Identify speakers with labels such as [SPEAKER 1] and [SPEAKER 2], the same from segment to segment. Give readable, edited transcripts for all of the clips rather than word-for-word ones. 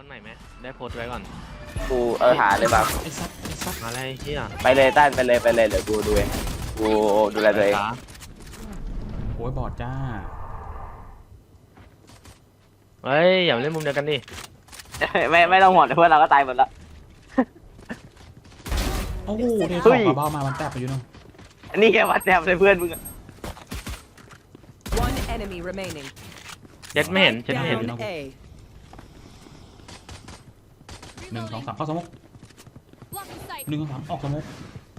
[SPEAKER 1] คนไหนไหมได้โพสต์ไว้ก่อน
[SPEAKER 2] กูหาเลยแบบ
[SPEAKER 3] ไอ้ซับ
[SPEAKER 1] อะไรเฮีย
[SPEAKER 2] ไปเลยต้านไปเลยเดี๋ยวกูดูเองกูดูแลตัวเอง
[SPEAKER 3] โอ้ยบอดจ้า
[SPEAKER 1] เฮ้ยอย่ามาเล่นมุมเดียวกันดิ
[SPEAKER 2] ไม่ต้องห่วงเพื่อนเราก็ตายหมดแล้ว
[SPEAKER 3] โอ้โหเท
[SPEAKER 2] เฮ้
[SPEAKER 3] สอย งกระเบ้ามามันแตบไปอยู่นู่น
[SPEAKER 2] อันนี้แกวัดแนบเลยเพื่อนมึง
[SPEAKER 4] One enemy remaining.
[SPEAKER 1] เจ็ดไม่เห็นเจ็ดไม่เห็น
[SPEAKER 4] Down A.
[SPEAKER 3] 1 2 3เข้าสมก1 2 3ออกสมก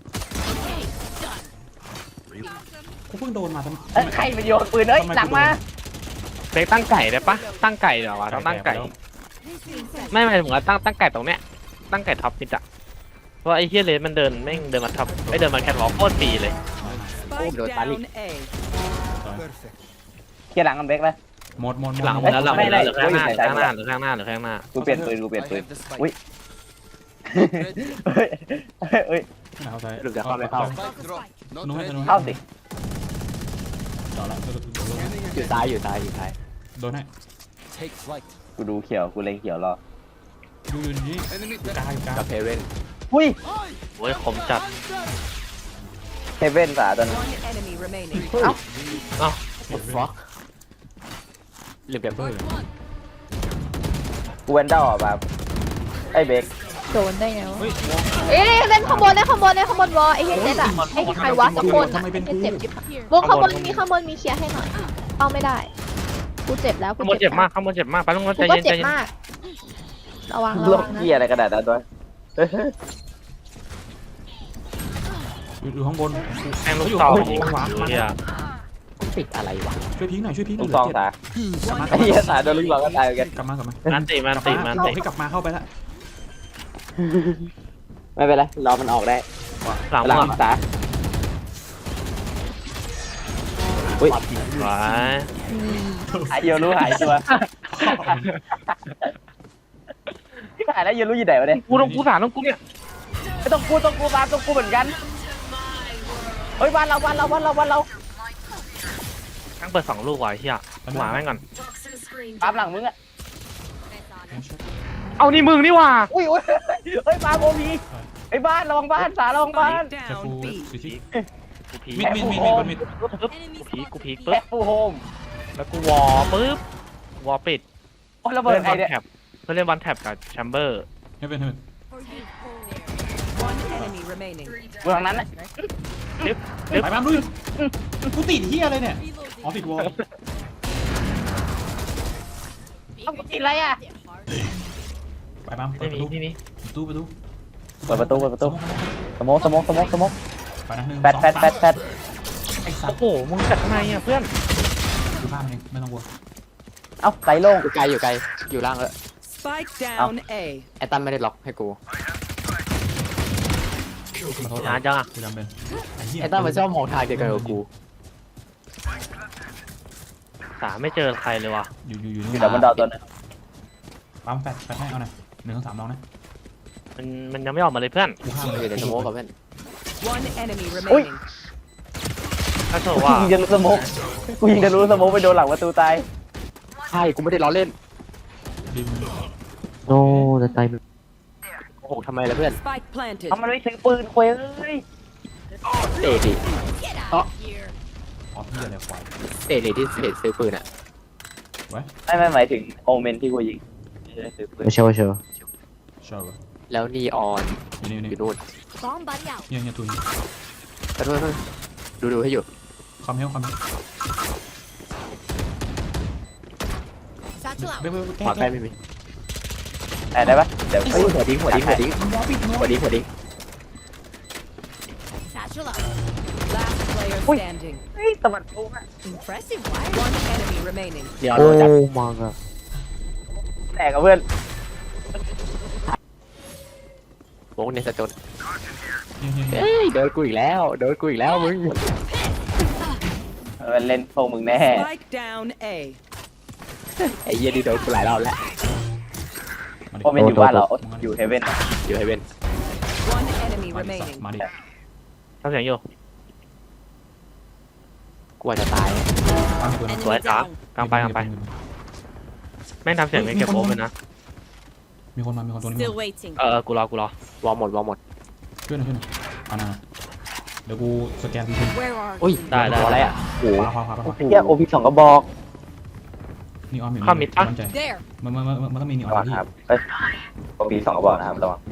[SPEAKER 3] กูเพิ่งโดนมาทำ
[SPEAKER 2] ใครมันโยนปืนเอ้ยหลังมา
[SPEAKER 1] เฟกตั้งไก่ได้ปะตั้งไก่เดี๋ยววะต้องตั้งไก่ไม่หมายถึงว่าตั้งไก่ตรงเนี้ยตั้งไก่ท็อปมิดอะเพราะไอ้เฮียเลสมันเดินไม่เดินมาท็อปไม่เดินมาแคทวอล์กโคตรฟรีเลย
[SPEAKER 4] Spike down A.
[SPEAKER 2] เกียร์หลังกันเบรกเลย
[SPEAKER 3] หมด
[SPEAKER 1] หลังหมดแล้วหลังหมดแล้วเหลือข้างหน้าเหลือข้างหน้าเหลือข้างหน้าเหลือข้างหน้า
[SPEAKER 2] กูเปลี่ยนปืนอุ้ยเฮ้ย
[SPEAKER 3] ไม่เข้าใจ
[SPEAKER 2] หลุดจากเข้าไม่เข้า
[SPEAKER 3] นู้นให้นู้น
[SPEAKER 2] เข้าสิ
[SPEAKER 3] จอดละ
[SPEAKER 2] อยู่ซ้าย
[SPEAKER 3] โดนให้
[SPEAKER 2] กูดูเขียวกูเล็งเขียวรอ
[SPEAKER 3] อยู่นี่กลาง
[SPEAKER 2] เฮเว่นหุ้ย
[SPEAKER 1] โอ้ยคมจัด
[SPEAKER 2] เฮเว่นสาตัวนึง
[SPEAKER 4] One enemy remaining.
[SPEAKER 1] เอ้า
[SPEAKER 3] ฟ็อกเรียบเบอร์
[SPEAKER 2] กูเวนด้าอ่ะแบบไอ้เบรก
[SPEAKER 5] โดนได้ไงวะ
[SPEAKER 3] เฮ้ย
[SPEAKER 5] เอ๊ะเล่นข้างบนวอไอ้เฮเจ็ดอะไอ้ใครวะสักคนอะไอ้เจ็บจิ๊บวงข้างบนมีเคลียร์ให้หน่อยเอาไม่ได้กูเจ็บแล้ว
[SPEAKER 1] ข้างบนเจ็บมากข้างบนเจ็บมากไปลงรถ
[SPEAKER 5] กู
[SPEAKER 1] ใจ
[SPEAKER 5] ก็
[SPEAKER 1] เย็นใจ
[SPEAKER 5] เจ็บ
[SPEAKER 1] เย็น
[SPEAKER 5] มากระวัง
[SPEAKER 2] โลก
[SPEAKER 5] นะ
[SPEAKER 2] เกียอะไรกระดาษนั้นด้วย
[SPEAKER 3] อยู่ข้างบน
[SPEAKER 1] แทงลูกซองยิงเฮีย
[SPEAKER 2] ติดอะไรวะ
[SPEAKER 3] ช่วยพิงหน่อยช่วยพิงหน่
[SPEAKER 2] ลู
[SPEAKER 3] อย
[SPEAKER 2] กซองสาไอ้เหี้ยสาโดนลูกซองก็ตายกัน
[SPEAKER 3] กลับมา
[SPEAKER 1] มันติมันติมันติ
[SPEAKER 3] ให้กลับมาเข้าไปละ
[SPEAKER 2] ไม่เป็นไรรอมันออกได้
[SPEAKER 1] หลัง
[SPEAKER 2] หลัง
[SPEAKER 1] หัว
[SPEAKER 2] สาอุ้ย
[SPEAKER 1] หวาย
[SPEAKER 2] หายเดียวรู้หายตัวหายแล้วยังรู้อยู่ไหนวะเนี่ย
[SPEAKER 1] กูต้องกูสารต้องกูเนี่ย
[SPEAKER 2] ไม่ต้องกูตามต้องกูเหมือนกันเฮ้ยบ้านเรา
[SPEAKER 1] ทั้งเปิด2ลูกว่ะเฮียหมาแม่งก่อน
[SPEAKER 2] ตามหลังมึงอะ
[SPEAKER 1] เอานี่มึงนี่ว่ะ
[SPEAKER 2] อุ้ยเฮ้ยปาโมพีไอ้บ้านระวังบ้านสาระวังบ้าน
[SPEAKER 3] จะฟู
[SPEAKER 4] Down B.
[SPEAKER 3] สิชิ
[SPEAKER 1] กูพี
[SPEAKER 3] มิด
[SPEAKER 1] กูพีกูพี
[SPEAKER 2] แอ
[SPEAKER 1] ปึ๊บ
[SPEAKER 2] ปฟูโฮม
[SPEAKER 1] แล้วกูวอปึ๊บวอปิด
[SPEAKER 2] โอ้ระเบิ
[SPEAKER 1] เพื่
[SPEAKER 2] ด
[SPEAKER 1] อน
[SPEAKER 2] ไอ้
[SPEAKER 1] วัน
[SPEAKER 2] เนี่ย
[SPEAKER 1] แท็บเพื่อนเล่นวันแท็บกับแชมเบอร์
[SPEAKER 3] ให้เป็น
[SPEAKER 4] One enemy remaining.
[SPEAKER 2] เมืองนั้นนะ
[SPEAKER 3] ไปบ้านด้วยกูติดเฮียอะไรเนี่ยอ๋อติดวอล
[SPEAKER 2] ต้องกินอะไรอะ
[SPEAKER 3] ไปบ้านเปิ
[SPEAKER 1] ไม่
[SPEAKER 3] ดประตู
[SPEAKER 1] มีที่นี่
[SPEAKER 3] ประตู
[SPEAKER 2] เปิดประตูสโมก
[SPEAKER 3] ไปนะ1
[SPEAKER 2] แปด
[SPEAKER 3] ไอ้สัต
[SPEAKER 1] โอ้
[SPEAKER 3] ว์
[SPEAKER 1] โหมึงจัดทำไมอ่ะเพื่อน
[SPEAKER 3] ดูภาพเองไม่ต้องกลัว
[SPEAKER 2] เอ้าไกลโล่ง
[SPEAKER 6] อยู่ไกลอยู่ล่างแล้ว
[SPEAKER 4] Spike down A.
[SPEAKER 6] ไอ้ตั้มไม่ได้ล็อกให้กู
[SPEAKER 3] มาโทษ
[SPEAKER 1] หาจังอ่ะ
[SPEAKER 3] กูจำเป็นไอ้เหี้ย
[SPEAKER 6] ไอ้ตั้มมันชอบมองทางเดียวกันกับกู
[SPEAKER 1] สาไม่เจอใครเลยว่ะ
[SPEAKER 3] อยู่
[SPEAKER 2] อยู่ดับบนดาวตัวนึง
[SPEAKER 3] ปั๊มแฟดให้เอาหน่อย1 2 3ลองนะ
[SPEAKER 1] มันยังไม่ออกมาเลยเพื่อน
[SPEAKER 3] กูห้าม
[SPEAKER 6] อยู่ในสโมกกับเพื่อน
[SPEAKER 4] One enemy remaining.
[SPEAKER 1] ถ้าโช
[SPEAKER 2] กู
[SPEAKER 1] ว่า
[SPEAKER 2] ยิงจะรู้สโมกไปโดนหลังประตูตาย
[SPEAKER 6] ใช่กูไม่ได้ล้อเล่น
[SPEAKER 3] ดิม
[SPEAKER 6] โอ้จะตายโอ้โหทำไมล่ะเพื่อน
[SPEAKER 4] Spike planted.
[SPEAKER 2] ทำมันไม่ซื้อปืนควยเลย
[SPEAKER 6] เตะดิ
[SPEAKER 3] อ๋อพี่อะไรควาย
[SPEAKER 6] เตะดิที่ซื้อปืนอ่ะ
[SPEAKER 2] ไม่หมายถึงโอเมนที่กูยิงไม่ได้ซื้อปืน
[SPEAKER 6] ไม่ใช่ว่าเชียว
[SPEAKER 3] ชอบ
[SPEAKER 6] แล้วนีออน
[SPEAKER 3] นี่
[SPEAKER 6] อยู่นู่น
[SPEAKER 3] เนี่ยตุย
[SPEAKER 6] ขอโทษดูให้อยู่
[SPEAKER 3] ความเหี้ยวเบ๊แก้
[SPEAKER 6] ขวาใกล้ไม่มี
[SPEAKER 2] ได้ปะเดี๋ยว
[SPEAKER 6] เฮ้ยหัวดิ้ง
[SPEAKER 4] Last player standing.
[SPEAKER 2] เฮ้ยตะวันตกอะ
[SPEAKER 4] Impressive. One enemy remaining.
[SPEAKER 6] เดี๋ยวเราจับ
[SPEAKER 1] มังอ่ะ
[SPEAKER 2] แตกกับเพื่อน
[SPEAKER 6] โว้ในสะจน
[SPEAKER 3] เนี่ย
[SPEAKER 6] เฮ้ยโดนกูอีกแล้วมึง
[SPEAKER 2] มันเล่นพวกมึงแน่
[SPEAKER 4] Spike down A.
[SPEAKER 6] ไอ้เหี้ยนี่โดนกูหลายรอบแล้ว
[SPEAKER 2] โอเมนอยู่บ้านเหรออยู่เฮเว่น
[SPEAKER 6] อยู่ให้เว้น
[SPEAKER 4] One enemy remaining.
[SPEAKER 3] มาดิ
[SPEAKER 1] ทำเสียงอยู่
[SPEAKER 6] กูอาจจะตาย
[SPEAKER 3] ปั๊มปืน
[SPEAKER 1] สวยจ้ากลางไปแม่งทำเสียงไม่เก็บโอมเลยนะ
[SPEAKER 3] มีคนมาตัวนี้
[SPEAKER 4] Still waiting.
[SPEAKER 1] กูรอวอลหมด
[SPEAKER 3] ช่วยหน่อยเอาหน่อยเดี๋ยวกูสแกนที
[SPEAKER 4] Where are
[SPEAKER 6] อุ้ย
[SPEAKER 1] ได้
[SPEAKER 6] อะไรอ่ะโอ้โห
[SPEAKER 3] ขวา
[SPEAKER 6] เฮียโอพี2กระบอก
[SPEAKER 3] นี่ออมอยู่
[SPEAKER 1] เข้ามิดปะ
[SPEAKER 3] มั่นใจ
[SPEAKER 4] There.
[SPEAKER 3] มันต้องมีนี่ออ
[SPEAKER 2] ระวั
[SPEAKER 3] ม
[SPEAKER 2] ง
[SPEAKER 3] ที่
[SPEAKER 2] ครับเอ้ยผมมี2 กระบอกนะครับระวัง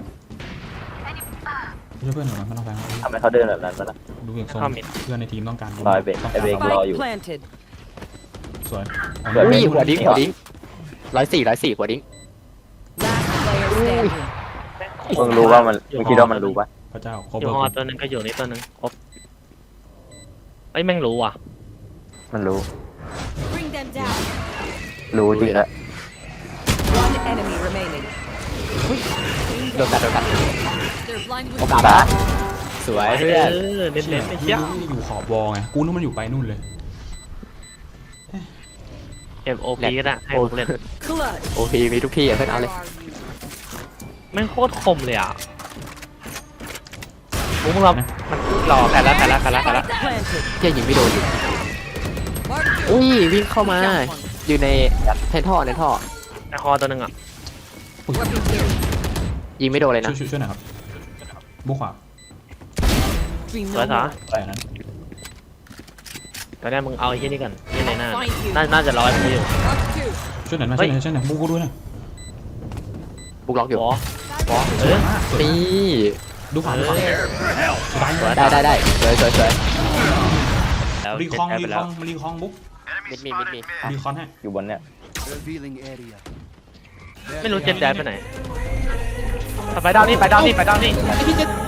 [SPEAKER 3] ช่วยเพื่อนหน่อยมันต้องแฟง
[SPEAKER 2] ทำให้เขาเดินแบบนั้นนะ
[SPEAKER 3] ดูอย่างทรง
[SPEAKER 1] เข้ามิด
[SPEAKER 3] เพื่อนในทีมต้องการ
[SPEAKER 2] รอยเบรก
[SPEAKER 3] ต้อง
[SPEAKER 2] ไอ้เบรก
[SPEAKER 3] การ
[SPEAKER 2] รออยู่
[SPEAKER 4] Spike planted.
[SPEAKER 3] สวย
[SPEAKER 2] เกิด
[SPEAKER 6] อุ้
[SPEAKER 2] ไม่
[SPEAKER 6] ย
[SPEAKER 2] รู้
[SPEAKER 6] หัวดิ้ง104หัวดิ้ง
[SPEAKER 4] Last player standing.
[SPEAKER 2] มึงรู้ว่ามันมึงคิดว่ามันรู้ปะ
[SPEAKER 3] พระเจ้าครบ
[SPEAKER 1] อยู่ฮอตัวหนึงก็อยู่นี่ตัวหนึงครบไอ้ยแม่งรู้ว่ะ
[SPEAKER 2] มันรู้
[SPEAKER 4] Bring them down.
[SPEAKER 2] รู้จริงแล้ว
[SPEAKER 4] One enemy remaining.
[SPEAKER 6] โดนกัด
[SPEAKER 4] They're blind
[SPEAKER 6] โอ
[SPEAKER 4] with
[SPEAKER 6] กาสละสวยเพื่อน
[SPEAKER 1] เน้นๆไอ้เหี้ย
[SPEAKER 3] อยู่ขอบวอไงกูนึกมันอยู่ไปนู่นเลย
[SPEAKER 1] MOP ก็ได้ให้ผมเล่น
[SPEAKER 4] clutch.
[SPEAKER 6] โอพีมีทุกที่อ่ะเพื่อนเอาเลย
[SPEAKER 1] แม่งโคตรคมเลยอ่ะมึงเรามันรอแพ้แล้ว
[SPEAKER 4] Planted.
[SPEAKER 6] เฮียยิงไม่โดนอยู่
[SPEAKER 4] Mark
[SPEAKER 6] อุ้ยวิ่งเข้ามา อยู่ในท่อในท่อ
[SPEAKER 1] ในฮอตัวหนึงอ่ะ
[SPEAKER 4] Working here.
[SPEAKER 6] ยิงไม่โดนเลยนะ
[SPEAKER 3] ช่วยหน่อยครับบุกขวา
[SPEAKER 4] Dream
[SPEAKER 1] สวย
[SPEAKER 4] no
[SPEAKER 1] สา
[SPEAKER 4] more.
[SPEAKER 3] แต่นั้น
[SPEAKER 1] ตอนนี้มึงเอาไอ้เหี้ยนี่ก่อนที่ในหน้า
[SPEAKER 4] Find you.
[SPEAKER 1] น่าจะร้อยมึงอยู่
[SPEAKER 4] Mark two.
[SPEAKER 3] ช่วยหน่อยบุกกูด้วยนะ
[SPEAKER 6] บุกล็อกอยู่
[SPEAKER 1] วอเออ
[SPEAKER 6] นี่
[SPEAKER 3] ดูขวาสุดท้าย
[SPEAKER 6] ได้สวย
[SPEAKER 1] แล้ว
[SPEAKER 3] รี
[SPEAKER 1] เจ็
[SPEAKER 3] คอง
[SPEAKER 1] แพ้ไปแล้ว
[SPEAKER 3] รีคองบุ๊ก
[SPEAKER 6] มิดมี
[SPEAKER 3] รีคอนให้
[SPEAKER 2] อยู่บนเนี่ย
[SPEAKER 7] Revealing area.
[SPEAKER 1] ไม่รู้เจ็ดแดนไปไหนไปดาวนี่
[SPEAKER 3] ไอ้ที่จะ